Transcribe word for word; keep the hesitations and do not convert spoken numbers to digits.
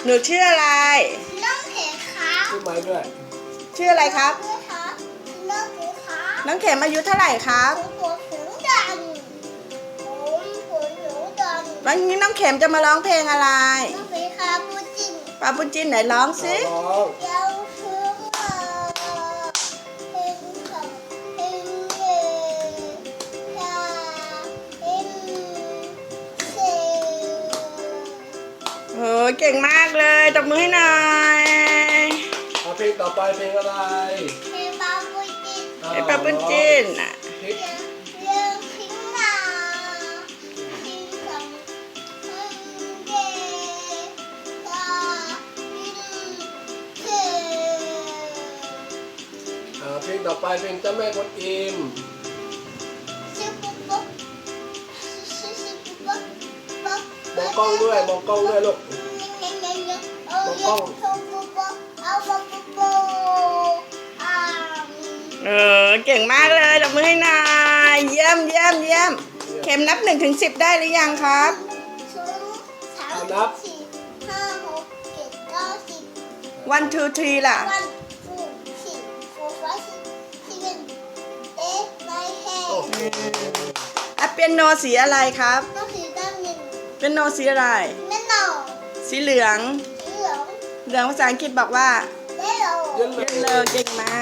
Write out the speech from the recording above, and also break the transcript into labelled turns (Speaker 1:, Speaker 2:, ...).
Speaker 1: หนูชื่ออะไร
Speaker 2: น้องเขมครับ
Speaker 3: ชื่อไม้ด้วย
Speaker 1: ชื่ออะไรครับ
Speaker 2: ด้วยครับน้องเขมครับ
Speaker 1: น้องเข็มอายุเท่าไหร่ครับ
Speaker 2: ผมหัวผิวดำผมหัวผิวดำ
Speaker 1: วันนี้น้องเข็มจะมาร้องเพลงอะไร
Speaker 2: น้องเขมครับพูดจริง
Speaker 1: ปาปุจินไหนร้องสิ
Speaker 3: ร้อง
Speaker 2: เยาวคือว่าเพลงของเพลงเย่ยาเพลงเซ่
Speaker 1: โอ้เก่งมากเลยตบมือให้หน่อย
Speaker 3: เอาเพลงต่อไปเพลงอะไร
Speaker 2: เพลงบาบูจิน
Speaker 1: ไอ้ปาปุจินน่ะ
Speaker 3: พลิก
Speaker 2: เรื่องพิงนาพิงของเพลงเย่ยาเพลงเซ่
Speaker 3: อ่าเพลงต่อไปเพลงเจ้าแม่กวนอิม
Speaker 2: ชิบุบบ๊อบชิชิบุบบ๊อบบ๊อบ
Speaker 3: มองกล้องด้วยมองกล้องด้วยลูก
Speaker 2: มองกล้องเอาบ๊อบบ๊อบบ๊อบอ่า
Speaker 1: เออเก่งมากเลยตบมือให้หน่อยเยี่ยมเยี่ยมเยี่ยมเข็มนับหนึ่งถึงสิบได้หรือยังครับ
Speaker 2: สองสามสี่ห้าหกเจ็ดเก้าสิบ
Speaker 1: one two three ล่ะ
Speaker 2: one two three four five six seven eight nine
Speaker 3: โอ้
Speaker 2: ten
Speaker 1: อ่ะเปียโนสีอะไรครับ
Speaker 2: น้องสีดำหนึ่ง
Speaker 1: เปียโนสีอะไร
Speaker 2: แม่หน่อ
Speaker 1: สีเหลือง
Speaker 2: สีเหลือง
Speaker 1: เหลืองภาษาอังกฤษบอกว่า
Speaker 2: แม่หล่อ
Speaker 3: เย็นเล
Speaker 1: เยลโล
Speaker 3: ย
Speaker 1: เก่งมา